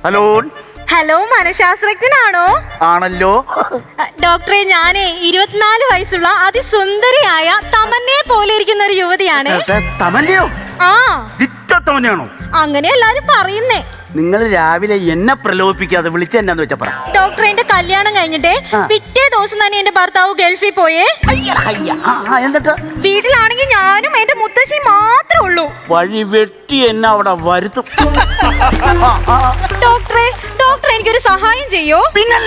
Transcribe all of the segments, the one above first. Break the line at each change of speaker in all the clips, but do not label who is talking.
Hello.
Hello, മനഃശാസ്ത്രജ്ഞനാണോ?
ആണല്ലോ.
ഡോക്ടറെ, ഞാനേ 24 വയസ്സുള്ള അതിസുന്ദരിയായ തമന്നയെ പോലെ ഇരിക്കുന്ന ഒരു യുവതിയാണ്.
തമന്നയോ?
ആ,
തമന്നയാണോ?
അങ്ങനെ എല്ലാരും പറയുന്നേ.
നിങ്ങൾ രാവിലെ എന്നെ പ്രലോഭിപ്പിക്കാതെ വിളിച്ചെന്നാന്ന് വെച്ചാ പറ.
ഡോക്ടറെ, എന്റെ കല്യാണം കഴിഞ്ഞിട്ട് പിറ്റേ ദിവസം തന്നെ എന്റെ ഭർത്താവ് ഗൾഫിൽ പോയേ.
എന്നിട്ട്
വീട്ടിലാണെങ്കിൽ ഞാനും എന്റെ മുത്തശ്ശി മാത്രമേ ഉള്ളൂ.
വഴി വെട്ടി എന്നെ അവിടെ വരുത്തും.
ഡോക്ടറെ, എനിക്കൊരു സഹായം ചെയ്യോ?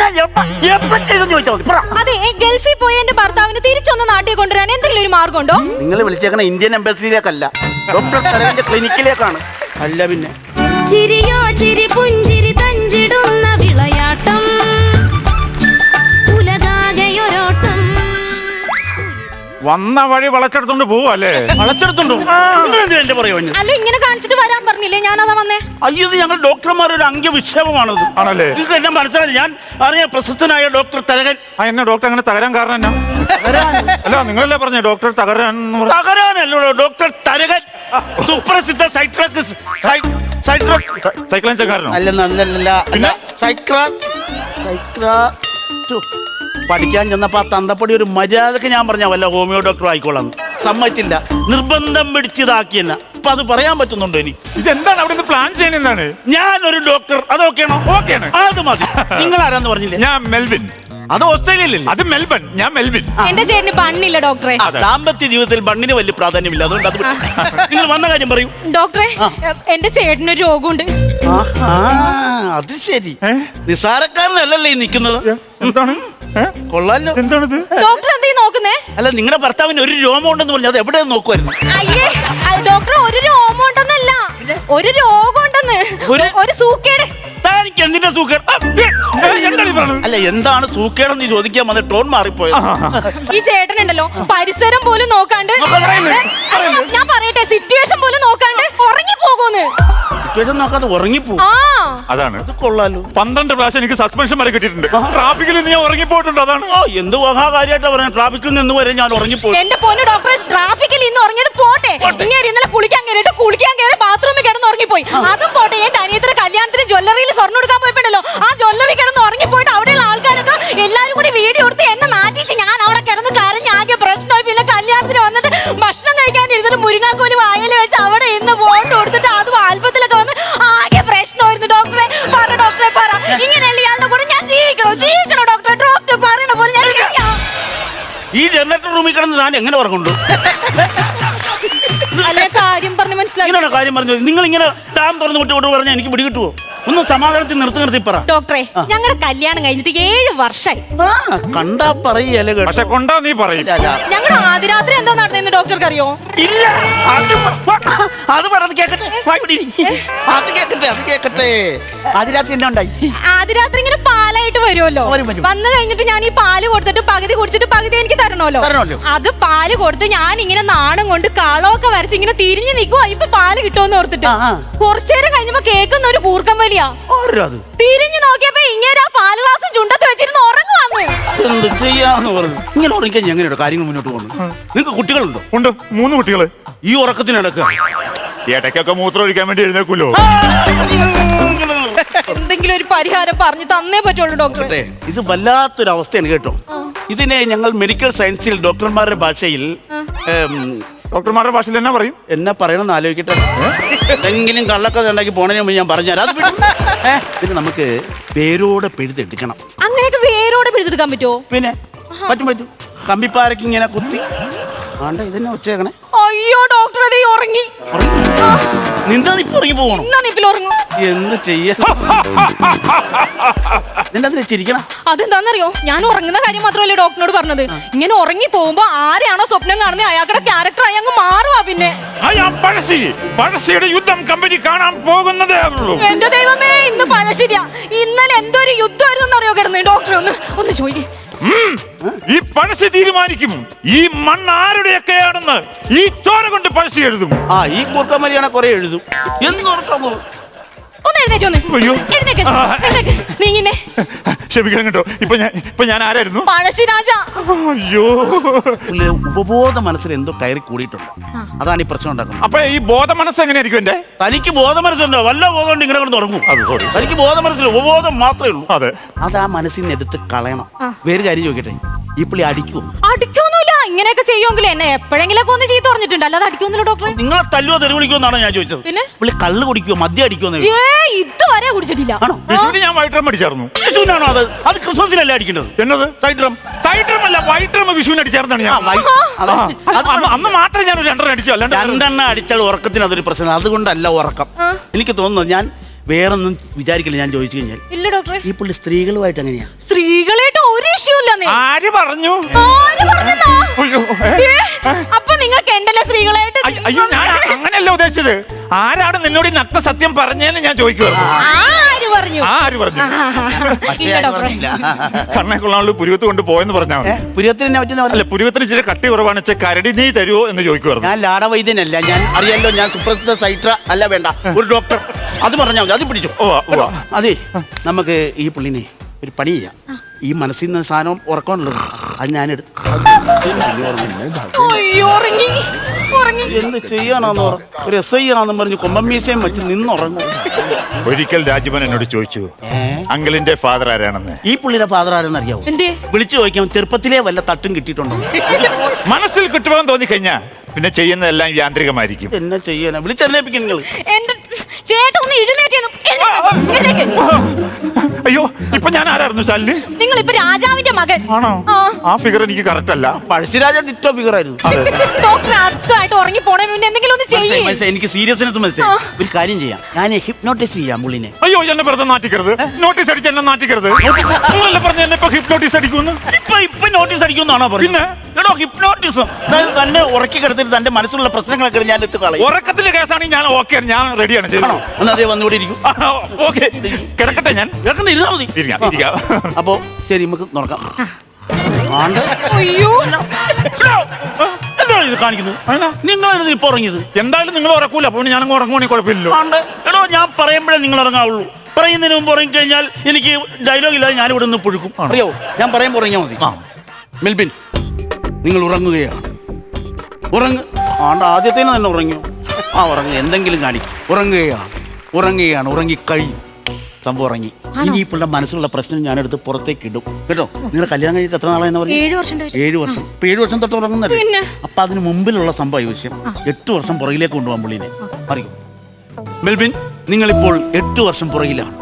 അതെ, ഗൾഫിൽ പോയ എന്റെ ഭർത്താവിന് തിരിച്ചൊന്ന് നാട്ടിൽ കൊണ്ടുവരാൻ എന്തെങ്കിലും ഒരു മാർഗമുണ്ടോ?
നിങ്ങൾ വിളിച്ചേക്കണ ഇന്ത്യൻ എംബസിയിലേക്കല്ല, ഡോക്ടർ തരകന്റെ ക്ലിനിക്കിലേക്കാണ്. അല്ല പിന്നെ
ചിരിയോ ചിരി പുഞ്ചിരി തഞ്ചിടുന്ന വിളയാട്ടം, ഉലകാകെയൊരോട്ടം.
വന്ന വഴി വളച്ചെടുത്തോണ്ട് പോവല്ലേ?
വളച്ചെടുത്തുണ്ടോ?
അല്ല, ഇങ്ങനെ കാണിച്ചിട്ട് വരാൻ പറഞ്ഞില്ലേ? ഞാനതാ വന്നേ.
അയ്യോ, ഇത് ഞങ്ങൾ ഡോക്ടർമാരുടെ ഒരു അംഗവിക്ഷേപമാണത്.
ആണല്ലേ?
നിങ്ങൾക്ക് എന്നെ മനസ്സിലായി. ഞാൻ അറിയാം, പ്രശസ്തനായ ഡോക്ടർ തരകൻ.
എന്നെ ഡോക്ടർ അങ്ങനെ തകരാൻ കാരണം എന്നാ? അല്ല, നിങ്ങളല്ലേ പറഞ്ഞേ ഡോക്ടർ
തകരാനല്ലോ, ഡോക്ടർ തരകൻ, സുപ്രസിദ്ധ
സൈക്ലൻകാരനോ?
അല്ലല്ല, പിന്നെ പഠിക്കാൻ ചെന്നപ്പോ ആ തന്തപ്പടി ഒരു മര്യാദക്ക് ഞാൻ പറഞ്ഞ വല്ല ഹോമിയോ ഡോക്ടർ ആയിക്കോളാം. സമ്മതിച്ചില്ല, നിർബന്ധം പിടിച്ചതാക്കിയെന്ന. അപ്പൊ അത് പറയാൻ പറ്റുന്നുണ്ടോ? എനിക്ക്
ഇതെന്താണ് അവിടെ പ്ലാൻ ചെയ്യുന്നതാണ്?
ഞാനൊരു ഡോക്ടർ, അതൊക്കെയാണോ?
ഓക്കെയാണ്,
അത് മതി. നിങ്ങൾ ആരാന്ന് പറഞ്ഞില്ലേ?
ഞാൻ മെൽവിൻ.
അത് ഓസ്ട്രേലിയയിലല്ലേ?
അത് മെൽബൺ, ഞാൻ മെൽവിൻ.
എന്റെ ചേട്ടന് ബണ്ണില്ല ഡോക്ടറെ.
ദാമ്പത്യ ജീവിതത്തിൽ ബണ്ണിന് വലിയ പ്രാധാന്യമില്ല, അതുകൊണ്ട് അത് നിങ്ങൾ വന്ന കാര്യം പറയൂ.
ഡോക്ടറെ, എന്റെ ചേട്ടനൊരു രോഗമുണ്ട്.
അത് ശരി, നിസാരക്കാരനല്ലല്ലേ ഈ നിൽക്കുന്നത്.
എന്താണ്?
കൊള്ളാലോ.
എന്താണിത്?
ഡോക്ടർ എന്തീ നോക്കുന്നേ?
അല്ല, നിങ്ങളുടെ ഭർത്താവിന് ഒരു രോമം ഉണ്ടെന്ന് പറഞ്ഞു, അത് എവിടെ നോക്കുമായിരുന്നു?
അയ്യേ, ഡോക്ടർ ഒരു രോഗം ഉണ്ടെന്നല്ല, ഒരു രോഗം ഉണ്ടെന്ന്. ഒരു സൂക്കേട്.
എനിക്ക് എന്തിന്റെ സൂക്കേട്? അല്ല, എന്താണ് സൂക്കേടെന്ന് ചോദിക്കാൻ വന്ന ടോൺ മാറിപ്പോയത്.
ഈ ചേട്ടനുണ്ടല്ലോ, പരിസരം പോലും നോക്കാണ്ട്, ഞാൻ പറയട്ടെ, സിറ്റുവേഷൻ പോലും നോക്കാണ്ട് ഉറങ്ങി പോകുന്നു.
സിറ്റുവേഷൻ നോക്കാതെ ഉറങ്ങിപ്പോ.
അതാണ്.
അത് കൊള്ളാലോ.
12 പ്രാവശ്യം എനിക്ക് സസ്പെൻഷൻ വരെ കിട്ടിയിട്ടുണ്ട്. ട്രാഫിക്കിൽ നിന്ന് ഞാൻ ഉറങ്ങിപ്പോയിട്ടുണ്ട്. അതാണ്.
എന്ത് മഹാകാര്യമായിട്ടാ പറഞ്ഞത്, ട്രാഫിക്കിൽ നിന്ന് വരെ ഞാൻ ഉറങ്ങിപ്പോയി.
എന്റെ പൊന്നു ഡോക്ടറെ, ട്രാഫിക്കിൽ ഇന്ന് ഉറങ്ങിയത് പോട്ടെ, ഇന്നലെ കുളിക്കാൻ കയറി ബാത്റൂമിൽ കിടന്ന് ഉറങ്ങിപ്പോയി. അതും പോട്ടെ, എന്റെ അനിയത്തിന്റെ കല്യാണത്തിന് ജ്വല്ലറിയിൽ സ്വർണ്ണം എടുക്കാൻ പോയിട്ടോ, ആ ജ്വല്ലറി കിടന്ന് ഉറങ്ങിപ്പോയിട്ട് അവിടെയുള്ള ആൾക്കാരൊക്കെ എല്ലാരും കൂടി വീഡിയോ എടുത്ത് എന്നെ നാട്ടിച്ച് ഞാൻ അവിടെ കിടന്ന് കരഞ്ഞ് ആകെ പ്രശ്നമായി. പിന്നെ കല്യാണത്തിന് വന്നിട്ട് ഭക്ഷണം കഴിക്കാൻ ഇരുന്നിട്ട് മുരിങ്ങാക്കോല് വായല വെച്ച് അവിടെ ഇന്ന് ഫോട്ടോ കൊടുത്തിട്ട് അതും ആൽബത്തിലൊക്കെ വന്ന് ആകെ പ്രശ്നമായിരുന്നു. ഡോക്ടറെ പറ, ഇങ്ങനെയല്ല ഇയാളുടെ കൂടെ ഞാൻ ജീവിക്കണോ ഡോക്ടറെ? ഡോക്ടർ പറയണ പോലെ ഞാൻ
ഈ ജനറേറ്റർ റൂമിൽ കിടന്ന് ഞാൻ എങ്ങനെ ഉറങ്ങുണ്ടോ?
അല്ലെ, കാര്യം പറഞ്ഞു മനസ്സിലാക്കി.
കാര്യം പറഞ്ഞു. നിങ്ങൾ ഇങ്ങനെ ഡാം തുറന്നു വിട്ടോട്ട് പറഞ്ഞാൽ എനിക്ക് പിടി കിട്ടുമോ? ഒന്ന് സമാധാനത്തിൽ നിർത്തി പറ.
ഡോക്ടറെ, ഞങ്ങളുടെ കല്യാണം കഴിഞ്ഞിട്ട് 7 വർഷമായി.
കണ്ടാ പറയല്ലേ,
പക്ഷെ കൊണ്ടാ നീ പറയും.
ഞങ്ങളുടെ ആദ്യരാത്രി എന്താ നടന്നെന്ന് ഡോക്ടർക്ക് അറിയോ?
ഇല്ല, അത് പറഞ്ഞത് കേക്കട്ടെ. അത് കേക്കട്ടെ. ആദ്യരാത്രി എന്നാ ഉണ്ടായി?
ആദ്യരാത്രി ഇങ്ങനെ പാലായിട്ട് വരുമല്ലോ. വന്നു കഴിഞ്ഞിട്ട് ഞാൻ ഈ പാല് കൊടുത്തിട്ട് പകുതി കുടിച്ചിട്ട് പകുതി എനിക്ക് തരണമല്ലോ. അത് പാല് കൊടുത്ത് ഞാൻ ഇങ്ങനെ നാണം കൊണ്ട് കളമൊക്കെ വരച്ച് ഇങ്ങനെ തിരിഞ്ഞു നിൽക്കുവാ, ഇപ്പൊ പാല് കിട്ടുമെന്ന് ഓർത്തിട്ട്. കുറച്ചേരം കഴിഞ്ഞപ്പോ കേൾക്കുന്ന ഒരു കൂർക്കം വലിയ. തിരിഞ്ഞു നോക്കിയപ്പോ ഇങ്ങനെ പാല് ഗ്ലാസ് ചുണ്ടത്ത് വെച്ചിരുന്ന് ഉറങ്ങുവാന്ന്.
എന്ത് ചെയ്യാന്ന് പറഞ്ഞു. ഇങ്ങനെ ഉറങ്ങിക്കാൻ എങ്ങനെയാണ് കാര്യങ്ങൾ മുന്നോട്ട് പോകുന്നത്? നിങ്ങൾക്ക് കുട്ടികളുണ്ടോ?
ഉണ്ട്, 3 കുട്ടികള്.
ഈ ഉറക്കത്തിനടക്കുക
ഇടയ്ക്കൊക്കെ മൂത്രം ഒഴിക്കാൻ വേണ്ടി എഴുന്നേക്കുമല്ലോ.
എന്തെങ്കിലും ഒരു പരിഹാരം പറഞ്ഞു തന്നേ പറ്റുള്ളൂ ഡോക്ടറെ.
ഇത് വല്ലാത്തൊരു അവസ്ഥയാണ് കേട്ടോ. ഇതിനെ ഞങ്ങൾ മെഡിക്കൽ സയൻസിൽ ഡോക്ടർമാരുടെ ഭാഷയിൽ
ഡോക്ടർമാരുടെ ഭാഷയിൽ എന്നാ പറയും?
എന്നാ പറയണമെന്ന് ആലോചിക്കട്ടെ. എന്തെങ്കിലും കള്ളക്കഥ ഉണ്ടാക്കി പോണതിന് മുമ്പ് ഞാൻ പറഞ്ഞുതരാം. ഇത് നമുക്ക് വേരോടെ പിഴുതെടുക്കണം.
അങ്ങനെയൊക്കെ വേരോടെ പിഴുതെടുക്കാൻ പറ്റുമോ?
പിന്നെ പറ്റും. കമ്പിപ്പാരക്ക് ഇങ്ങനെ കുത്തി ആണ്ട ഇതന്നെ വെച്ചേക്കണേ.
അയ്യോ ഡോക്ടർ, ഇത് ഉറങ്ങി.
നിന്നാ ഇപ്പൊ ഉറങ്ങി പോകണം. എന്ത് ചെയ്യാ? നിന്റെ ചിരിക്കണം.
അതെന്താന്നറിയോ, ഞാൻ ഉറങ്ങുന്ന കാര്യം മാത്രമല്ലേ ഡോക്ടറിനോട് പറഞ്ഞത്. ഇങ്ങനെ ഉറങ്ങി പോകുമ്പോ ആരെയാണോ സ്വപ്നം കാണുന്നത് അയാളുടെ ക്യാരക്ടറായി അങ്ങ് മാറുവാ. പിന്നെ
പഴശ്ശിയുടെ യുദ്ധം കമ്പനി കാണാൻ പോകുന്നതേ ഉള്ളൂ.
എന്റെ ദൈവമേ, ഇന്ന് പഴശ്ശിയാ. ഇന്നലെ എന്തൊരു യുദ്ധമായിരുന്നു അറിയോ കിടന്ന്. ഡോക്ടർ ഒന്ന് ചോദിക്കേ.
ഈ പഴശ്ശി തീരുമാനിക്കും ഈ മണ്ണ് ആരുടെയൊക്കെയാണെന്ന്. ഈ ചോര കൊണ്ട് പഴശ്ശി എഴുതും.
ഈ കൂർക്കമരിയാണെ കുറെ എഴുതും.
ഒന്ന് എഴുന്നേറ്റ് വന്ന്.
അയ്യോ.
എഴുന്നേക്ക്, എഴുന്നേക്ക്. നീങ്ങിന്നേ.
ക്ഷമിക്കണം കേട്ടോ. ഇപ്പൊ ഞാൻ ആരായിരുന്നു?
പഴശ്ശിരാജ.
അയ്യോ.
പുള്ളിയുടെ ഉപബോധ മനസ്സിൽ എന്തോ കയറി കൂടിയിട്ടുണ്ട്. അതാണ് ഈ പ്രശ്നം ഉണ്ടാക്കുന്നത്.
അപ്പൊ ഈ ബോധ മനസ്സ് എങ്ങനെയായിരിക്കും എന്റെ?
തനിക്ക് ബോധ മനസ്സുണ്ടോ? വല്ല ബോധം കൊണ്ട് ഇങ്ങനെ കൊണ്ട് തുടങ്ങും.
അത് sorry.
തനിക്ക് ബോധ മനസ്സിൽ ഉപബോധം മാത്രമേ ഉള്ളൂ.
അതെ.
അത് ആ മനസ്സിൽ നിന്ന് എടുത്ത് കളയണം. വേറെ കാര്യം ചോദിക്കട്ടെ, ഈ പുള്ളി അടിക്കുമോ?
അടിക്കൊന്നുമില്ല. ഇങ്ങനെയൊക്കെ ചെയ്യുമെങ്കിൽ എന്നെ എപ്പോഴെങ്കിലൊക്കെ ഒന്ന് ചീത്ത പറഞ്ഞിട്ടുണ്ട്, അല്ലാതെ അടിക്കൊന്നുമില്ല ഡോക്ടറെ.
നിങ്ങളെ തല്ലുവോ തെരുവിളിക്കോ എന്നാണ് ഞാൻ ചോദിച്ചത്.
പിന്നെ
പുള്ളി കള്ള് കുടിക്കുവോ മദ്യം അടിക്കുമോ?
ഇതുവരെ കുടിച്ചിട്ടില്ല.
ആണോ?
വിഷുവിന് ഞാൻ വൈറ്റ് ഡ്രം അടിച്ചായിരുന്നു.
വിഷുവിനാണോ അത്? അത് ക്രിസ്മസിനല്ലേ അടിക്കേണ്ടത്?
എന്നത്?
Side drum.
സൈഡ് ഡ്രം അല്ല, വൈറ്റ് ഡ്രം വിഷുവിന് അടിച്ചായിരുന്നാണ് ഞാൻ. അന്ന് മാത്രമേ ഞാൻ 2 അടിച്ചു. അല്ലാണ്ട്
2 അടിച്ചാൽ ഉറക്കത്തിന് അതൊരു പ്രശ്നം. അതുകൊണ്ടല്ല ഉറക്കം. എനിക്ക് തോന്നുന്നു, ഞാൻ വേറൊന്നും വിചാരിക്കില്ല. ഞാൻ ചോദിച്ചു കഴിഞ്ഞാൽ,
ഇല്ല ഡോക്ടറെ.
ഈ പുള്ളി സ്ത്രീകളുമായിട്ട് എങ്ങനെയാ?
സ്ത്രീകളായിട്ട് ഒരു ഇഷ്യൂ ഇല്ലെന്നേ.
ആര് പറഞ്ഞു?
ആര് പറഞ്ഞെന്നാ?
അയ്യോ,
അപ്പൊ നിങ്ങൾക്ക് ഉണ്ടല്ലോ സ്ത്രീകളായിട്ട്.
അയ്യോ, ഞാൻ അങ്ങനെയല്ല ഉദ്ദേശിച്ചത്. ആരാണ് നിന്നോട് ഈ നഗ്ന സത്യം പറഞ്ഞേന്ന് ഞാൻ ചോദിക്കുവായിരുന്നു.
ആര് പറഞ്ഞു?
ആര് പറഞ്ഞു?
ഇല്ല ഡോക്ടറെ.
കണ്ണെ കൊള്ളാനുള്ള പുരുവത്ത് കൊണ്ട് പോയെന്ന് പറഞ്ഞാൽ മതി.
പുരിയത്തിന് പറ്റുന്ന
അല്ല, പുരുവത്തിന് ഇച്ചിരി കട്ടി കുറവാണ്. കരടി നീ തരുമോ എന്ന് ചോദിക്കുവായിരുന്നു.
ഞാൻ ലാടവൈദ്യനല്ല. ഞാൻ അറിയാലോ, ഞാൻ സുപ്രസിദ്ധ സൈട്ര അല്ല. വേണ്ട, ഒരു ഡോക്ടർ. അത് പറഞ്ഞാൽ മതി. അത് പിടിച്ചു. അതെ, നമുക്ക് ഈ പുള്ളിനെ ഒരു പണി ചെയ്യാം. ഈ മനസ്സിൽ നിന്ന് സാധനം ഉറക്കമുള്ളത് അത് ഞാൻ എടുത്ത് എന്ത് ചെയ്യാനാന്ന് ഒരു SI ആണെന്ന് പറഞ്ഞ് കൊമ്പമ്മീസയും വെച്ച് നിന്നുറങ്ങും.
ഒരിക്കൽ രാജീവൻ എന്നോട് ചോദിച്ചു, അങ്കിളിന്റെ ഫാദർ ആരാണെന്ന്.
ഈ പുള്ളിയുടെ ഫാദർ ആരെന്ന് അറിയാവോ? വിളിച്ചു ചോദിക്കാം. ചെറുപ്പത്തിലേ വല്ല തട്ടും കിട്ടിയിട്ടുണ്ടോ?
മനസ്സിൽ കിട്ടുമെന്ന് തോന്നിക്കഴിഞ്ഞാ പിന്നെ ചെയ്യുന്നതെല്ലാം യാന്ത്രികമായിരിക്കും.
എന്നെ ചെയ്യാനാ വിളിച്ചെന്നേപ്പിക്കും നിങ്ങൾ.
ചേട്ടാ ഒന്ന് എഴുന്നേറ്റ്.
അയ്യോ, ഇപ്പൊ ഞാൻ ആരായിരുന്നു ശാലിനി?
നിങ്ങൾ ഇപ്പൊ രാജാവിന്റെ മകൻ
ആണോ? ആ ഫിഗർ എനിക്ക് കറക്റ്റ് അല്ല.
പഴശ്ശിരാജ ഡിറ്റോ ഫിഗർ ആയിരുന്നു.
ഡോക്ടർ അടുത്തായിട്ട് ഉറങ്ങി പോണേ മുന്നേ എന്തെങ്കിലും ഒന്ന് ചെയ്യേ.
എനിക്ക് സീരിയസ്നെസ് മനസ്സിലായി. ഒരു കാര്യം ചെയ്യാം, ഞാൻ ഹിപ്നോട്ടൈസ് ചെയ്യാം പുള്ളിനെ.
അയ്യോ, എന്നെ വെറുതെ നാട്ടിക്കരുത്. നോട്ടീസ് അടിച്ച് എന്നെ നാട്ടിക്കരുത്. നിങ്ങളല്ലേ പറഞ്ഞ എന്നെ ഇപ്പൊ ഹിപ്നോട്ടീസ് അടിക്കുന്നു?
ഇപ്പൊ നോട്ടീസ് അടിക്കുന്നാണോ പറയുന്നത്? എടോ, ഹിപ്നോട്ടിസം. അതായത് തന്നെ ഉറക്കി കിടത്തിട്ട് തന്റെ മനസ്സിലുള്ള പ്രശ്നങ്ങളൊക്കെ ഞാൻ എത്തി കളയും.
ഉറക്കത്തിലെ കേസാണെങ്കിൽ ഞാൻ ഓക്കെ, ഞാൻ റെഡിയാണ്.
ചെയ്യണോ? എന്നാ അതേ വന്നുകൂടി ഇരിക്കും.
ഓക്കെ, കിടക്കട്ടെ. ഞാൻ
കിടക്കുന്ന ഇരുന്നാ മതി. അപ്പോ ശരി, നമുക്ക് നോക്കാം.
അയ്യോ,
എന്താണ് ഇത് കാണിക്കുന്നത്? നിങ്ങൾ ഇപ്പൊ ഉറങ്ങിയത്?
എന്തായാലും നിങ്ങൾ ഉറക്കൂല, അപ്പോൾ ഞാനങ്ങ് ഉറങ്ങുവാണെങ്കിൽ കുഴപ്പമില്ലല്ലോ.
എടോ, ഞാൻ പറയുമ്പോഴേ നിങ്ങൾ ഉറങ്ങാവുള്ളൂ. പറയുന്നതിന് മുമ്പ് ഉറങ്ങിക്കഴിഞ്ഞാൽ എനിക്ക് ഡയലോഗ് ഇല്ലാതെ ഞാനിവിടെ നിന്ന് പുഴുക്കും. അറിയാവോ? ഞാൻ പറയുമ്പോൾ ഉറങ്ങിയാൽ മതി. മെൽബിൻ, നിങ്ങൾ ഉറങ്ങുകയാണ്. ആദ്യത്തേന് തന്നെ ഉറങ്ങിയോ? ഉറങ്ങുക. എന്തെങ്കിലും കാണിക്കും. ഉറങ്ങുകയാണ്. ഉറങ്ങിക്കഴിഞ്ഞു. സംഭവം ഉറങ്ങി. ഇനി ഇപ്പോൾ മനസ്സിലുള്ള പ്രശ്നം ഞാനെടുത്ത് പുറത്തേക്ക് ഇടും. കേട്ടോ? നിങ്ങൾ കല്യാണം കഴിഞ്ഞിട്ട് എത്ര നാളായെന്ന് പറഞ്ഞു?
7 വർഷം.
7 വർഷം. ഇപ്പൊ 7 വർഷം തൊട്ട് ഉറങ്ങുന്നല്ലേ? അപ്പൊ അതിന് മുമ്പിലുള്ള സംഭവ വിഷയം 8 വർഷം പുറകിലേക്ക് കൊണ്ടുപോകാൻ പുള്ളിനെ അറിയും. മെൽബിൻ, നിങ്ങളിപ്പോൾ 8 വർഷം പുറകിലാണ്.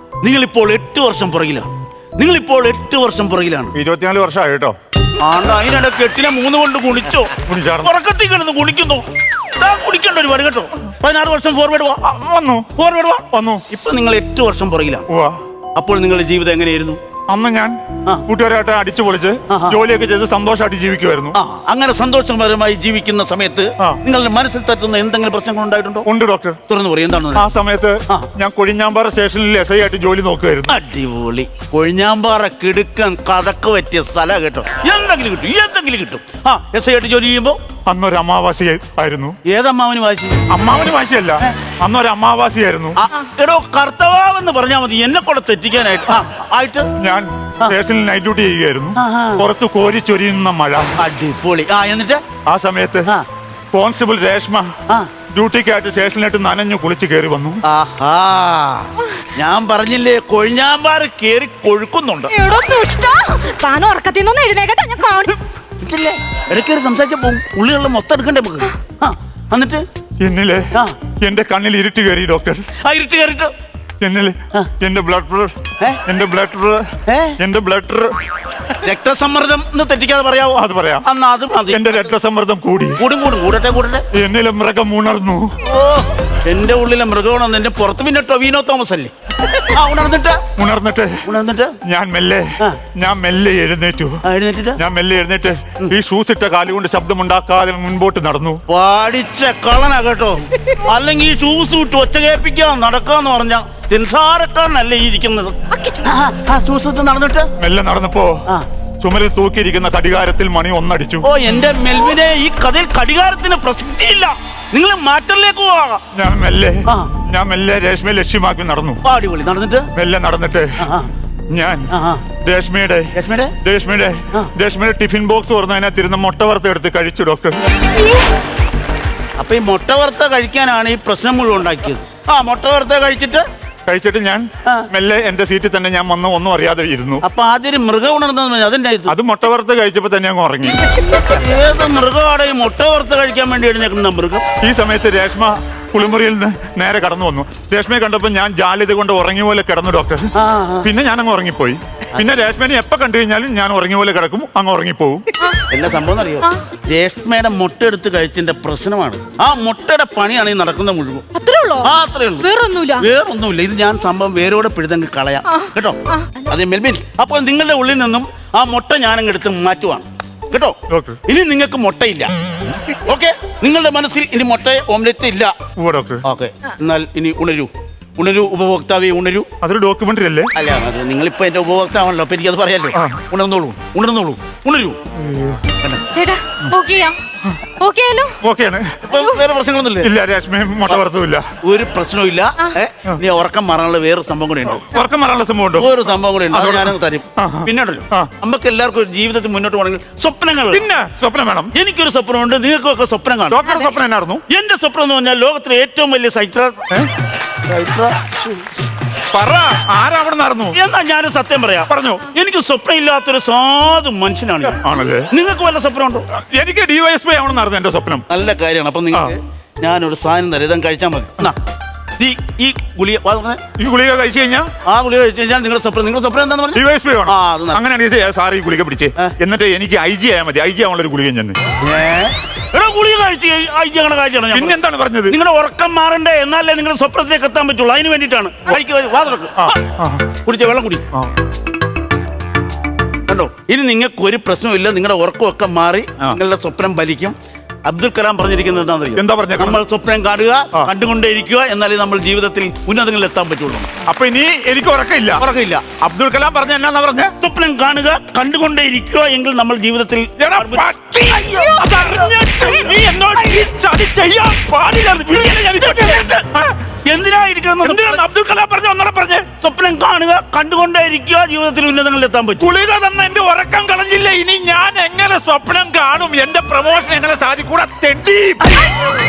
24 വർഷമായി കേട്ടോ.
അതിനിടയ്ക്ക് 8നെ 3 കൊണ്ട് ഗുണിച്ചോ? ഉറക്കത്തിൽ കിടന്ന് ഗുണിക്കുന്നു. കുടിക്കേണ്ട ഒരു വരും കേട്ടോ. 16 വർഷം ഫോർവേഡ് വന്നു. ഇപ്പൊ നിങ്ങൾ 8 വർഷം പുറകിലാണ്. അപ്പോൾ നിങ്ങളുടെ ജീവിതം എങ്ങനെയായിരുന്നു?
അന്ന് ഞാൻ കൂട്ടുകാരായിട്ട് അടിച്ചു പൊളിച്ച് ജോലിയൊക്കെ ചെയ്ത് സന്തോഷമായിട്ട് ജീവിക്കുമായിരുന്നു.
അങ്ങനെ സന്തോഷപരമായി ജീവിക്കുന്ന സമയത്ത് നിങ്ങളുടെ മനസ്സിൽ തട്ടുന്ന എന്തെങ്കിലും പ്രശ്നങ്ങൾ ഉണ്ടായിട്ടുണ്ടോ?
ഉണ്ട് ഡോക്ടർ.
തുറന്നു പറയും. എന്താണ്?
ആ സമയത്ത് ഞാൻ കൊഴിഞ്ഞാമ്പാറ സ്റ്റേഷനിൽ SI ആയിട്ട് ജോലി നോക്കുമായിരുന്നു.
അടിപൊളി. കൊഴിഞ്ഞാമ്പാറ കിടുക്കൻ കഥക്ക് പറ്റിയ സ്ഥലം കേട്ടോ. എന്തെങ്കിലും കിട്ടും. SI ആയിട്ട് ജോലി ചെയ്യുമ്പോ
അന്നൊരു അമാവാസി ആയിരുന്നു.
ഏതമ്മാവന് വാശി?
അമ്മാവന് വാശിയല്ല, അന്നൊരു അമാവാസിയായിരുന്നു.
എടോ, കർത്തവാവെന്ന് പറഞ്ഞാൽ മതി എന്നെ കൂടെ തെറ്റിക്കാനായിട്ട്.
ഞാൻ സ്റ്റേഷനിൽ നൈറ്റ് ഡ്യൂട്ടി ചെയ്യുകയായിരുന്നു. പുറത്ത് കോരിച്ചൊരിയുന്ന മഴ.
അടിപൊളി. എന്നിട്ട്
ആ സമയത്ത് കോൺസ്റ്റബിൾ രേഷ്മ ഡ്യൂട്ടിക്കായിട്ട് സ്റ്റേഷനിലായിട്ട് നനഞ്ഞു കുളിച്ച് കയറി വന്നു.
ഞാൻ പറഞ്ഞില്ലേ, കൊഴിഞ്ഞാമ്പാറ് കേറി കൊഴുക്കുന്നുണ്ട്.
താൻ ഉറക്കത്തിൽ നിന്ന് എഴുന്നേക്കട്ടെ, ഞാൻ കാണും.
ഇടയ്ക്കേറി സംസാരിച്ച പോകും. ഉള്ളിലുള്ള മൊത്തം എടുക്കണ്ടേ നമുക്ക്? എന്നിട്ട്
എന്നിലെ എന്റെ കണ്ണിൽ ഇരുട്ട് കയറി ഡോക്ടർ.
ഇരുട്ട് കയറിട്ട്
എന്നിലെ എന്റെ ബ്ലഡ്
രക്തസമ്മർദ്ദം എന്ന് തെറ്റിക്കാതെ പറയാവോ? അത് പറയാം.
എന്റെ രക്തസമ്മർദ്ദം
കൂടട്ടെ.
എന്നിലെ മൃഗം ഉണർന്നു.
എന്റെ ഉള്ളിലെ മൃഗമാണെന്ന് എന്റെ പുറത്ത് പിന്നെ ടൊവിനോ തോമസ് അല്ലേ? ഉണർന്നിട്ട് ഞാൻ മെല്ലെ എഴുന്നേറ്റു.
ഈ ഷൂസ് ഇട്ട കാലുകൊണ്ട് ശബ്ദമുണ്ടാക്കാതെ മുൻപോട്ട് നടന്നു.
പാടിച്ച കളനാ കേട്ടോ. അല്ലെങ്കിൽ ഈ ഷൂസ് ഇട്ട് ഒച്ച കേൾപ്പിക്കാൻ നടക്കാന്ന് പറഞ്ഞ തിൻസാരക്കാരനല്ലേ ഈ ഇരിക്കുന്നത്. ഷൂസ് ഇട്ട് നടന്നിട്ട്
മെല്ലെ നടന്നപ്പോ ചുമരിൽ തൂക്കിയിരിക്കുന്ന കടികാരത്തിൽ മണി 1 അടിച്ചു.
എന്റെ മെൽവിനെ, ഈ കഥയിൽ കടികാരത്തിന് പ്രസക്തിയില്ല. നിങ്ങൾ മാറ്ററിലേക്ക് പോവാ.
ഞാൻ മെല്ലെ രേഷ്മയെ ലക്ഷ്യമാക്കി നടന്നു.
അടിപൊളി. നടന്നിട്ട്
മെല്ലെ നടന്നിട്ട് ഞാൻ രേഷ്മയുടെ ടിഫിൻ ബോക്സ് തുറന്ന് അതിനകത്തിരുന്ന് മുട്ട വറുത്ത് എടുത്ത് കഴിച്ചു ഡോക്ടർ.
അപ്പൊ ഈ മുട്ട വറുത്ത കഴിക്കാനാണ് ഈ പ്രശ്നം മുഴുവൻ ഉണ്ടാക്കിയത്. മുട്ട വറുത്ത കഴിച്ചിട്ട്
ഞാൻ മെല്ലെ എന്റെ സീറ്റിൽ തന്നെ ഞാൻ വന്ന് ഒന്നും അറിയാതെ ഇരുന്നു.
അപ്പൊ ആദ്യം മൃഗം ഉണർന്നു.
അത് മുട്ട വറുത്ത് കഴിച്ചപ്പോ തന്നെ അങ്ങ് ഉറങ്ങി.
ഏത് മൃഗമാണ് ഈ മുട്ട വറുത്ത് കഴിക്കാൻ വേണ്ടി എഴുന്നേക്കുന്ന മൃഗം?
ഈ സമയത്ത് രേഷ്മ കുളിമുറിയിൽ നിന്ന് നേരെ കടന്നു വന്നു. രേഷ്മയെ കണ്ടപ്പോ ഞാൻ ജാലിത കൊണ്ട് ഉറങ്ങിയ പോലെ കിടന്നു ഡോക്ടർ. പിന്നെ ഞാൻ അങ്ങ് ഉറങ്ങിപ്പോയി. പിന്നെ രേഷ്മേനെ എപ്പോ കണ്ടു കഴിഞ്ഞാലും ഞാൻ ഉറങ്ങിയ പോലെ കിടക്കും, അങ്ങ് ഉറങ്ങിപ്പോവും.
എല്ലാ സംഭവം അറിയോ? രേഷ്മയുടെ മുട്ട എടുത്ത് കഴിച്ചതിന്റെ പ്രശ്നമാണ്. ആ മുട്ടയുടെ പണിയാണ് ഈ നടക്കുന്ന മുഴുവൻ. അത്രേ ഉള്ളൂ. വേറൊന്നുമില്ല. ഇത് ഞാൻ സംഭവം വേരോടെ പിഴുതങ്ങ് കളയാം കേട്ടോ. അതെ മെൽബിൻ, അപ്പോൾ നിങ്ങളുടെ ഉള്ളിൽ നിന്നും ആ മുട്ട ഞാനങ്ങ് എടുത്ത് മാറ്റുവാണ് കേട്ടോ. ഇനി നിങ്ങൾക്ക് മുട്ടയില്ല. ഓക്കെ, നിങ്ങളുടെ മനസ്സിൽ ഇനി മുട്ട ഓംലെറ്റ് ഇല്ല. ഓക്കെ, എന്നാൽ ഇനി ഉണരൂ ഉപഭോക്താവേ, ഉണരൂ.
അതൊരു ഡോക്യുമെന്ററി അല്ലേ?
അല്ല, അത് നിങ്ങളിപ്പോ എന്റെ ഉപഭോക്താവാണല്ലോ, അപ്പൊ എനിക്കത് പറയാലോ. ഉണരൂ.
ചേട്ടാ
വേറെ പ്രശ്നങ്ങളൊന്നുമില്ല.
ഇല്ല, രേഷ്മ മുട്ട വറുത്തുമില്ല.
ഒരു പ്രശ്നവും ഇല്ല. ഇനി ഉറക്കം മാറാനുള്ള വേറൊരു സംഭവം കൂടെ ഉണ്ട്.
ഉറക്കം മാറാനുള്ള സംഭവം ഉണ്ടോ?
ഒരു സംഭവം കൂടെ ഉണ്ട്, അത് ഞാനങ്ങ് തരും. പിന്നെ ഉണ്ടല്ലോ, നമുക്ക് എല്ലാവർക്കും ജീവിതത്തിൽ മുന്നോട്ട് പോകണമെങ്കിൽ സ്വപ്നങ്ങൾ.
പിന്നെ സ്വപ്നം വേണം.
എനിക്കൊരു സ്വപ്നമുണ്ട്, നിങ്ങൾക്കൊക്കെ സ്വപ്നം കാണും.
ഡോക്ടറുടെ സ്വപ്നം എന്നായിരുന്നു?
എന്റെ സ്വപ്നം എന്ന് പറഞ്ഞാൽ ലോകത്തിലെ ഏറ്റവും വലിയ
ആരാവണമെന്നായിരുന്നു.
എന്നാ ഞാനൊരു സത്യം പറയാം.
പറഞ്ഞു.
എനിക്ക് സ്വപ്നം ഇല്ലാത്തൊരു സാധു മനുഷ്യനാണ്.
ആണല്ലേ?
നിങ്ങൾക്ക് വല്ല സ്വപ്നം ഉണ്ടോ?
എനിക്ക് DYSP ആവണമെന്നായിരുന്നു എന്റെ സ്വപ്നം.
നല്ല കാര്യമാണ്. അപ്പൊ നിങ്ങൾക്ക് ഞാനൊരു സാധനം തരാം, ഇതം കഴിച്ചാൽ മതി. ഈ ഗുളിക
കഴിച്ചു കഴിഞ്ഞാൽ
നിങ്ങളുടെ സ്വപ്നം എന്താന്ന് പറഞ്ഞു?
DYSP വേണം. അങ്ങനെയാണെങ്കിൽ സാർ ഈ ഗുളിക പിടിച്ചേ, എന്നിട്ട് എനിക്ക് IG ആയാൽ മതി. IG ആവാനുള്ള ഒരു ഗുളിക ചെന്ന്
ഗുളിക കഴിച്ച്
പിന്നെ എന്താണ് പറഞ്ഞത്?
നിങ്ങളുടെ ഉറക്കം മാറണ്ടേ, എന്നാലേ നിങ്ങളുടെ സ്വപ്നത്തിലേക്ക് എത്താൻ പറ്റുള്ളൂ. അതിന് വേണ്ടിയിട്ടാണ്. കുടിച്ച വെള്ളം കുടി കണ്ടോ. ഇനി നിങ്ങൾക്ക് ഒരു പ്രശ്നമില്ല, നിങ്ങളുടെ ഉറക്കമൊക്കെ മാറി നിങ്ങളുടെ സ്വപ്നം ഫലിക്കും. അബ്ദുൽ കലാം പറഞ്ഞിരിക്കുന്നത്
എന്താ പറഞ്ഞത്?
നമ്മൾ സ്വപ്നം കാണുക, കണ്ടുകൊണ്ടേയിരിക്കുക, എന്നാലേ നമ്മൾ ജീവിതത്തിൽ ഉന്നതങ്ങളിൽ എത്താൻ പറ്റുള്ളൂ.
അപ്പൊ ഇനി എനിക്ക് ഉറക്കമില്ല. അബ്ദുൽ കലാം പറഞ്ഞ എന്നാ പറഞ്ഞ?
സ്വപ്നം കാണുക, കണ്ടുകൊണ്ടേയിരിക്കുക, എങ്കിൽ നമ്മൾ ജീവിതത്തിൽ.
എന്തിനാണ് അബ്ദുൽ കലാം പറഞ്ഞ ഒന്നൂടെ പറഞ്ഞേ?
സ്വപ്നം കാണുക, കണ്ടുകൊണ്ടേയിരിക്കുക, ജീവിതത്തിൽ ഉന്നതങ്ങളിൽ എത്താൻ പറ്റും.
ഗുളിക തന്ന എന്റെ ഉറക്കം കളഞ്ഞില്ല. ഇനി ഞാൻ എങ്ങനെ സ്വപ്നം കാണും? എന്റെ പ്രമോഷൻ എങ്ങനെ സാധിക്കൂടാ? തെണ്ടി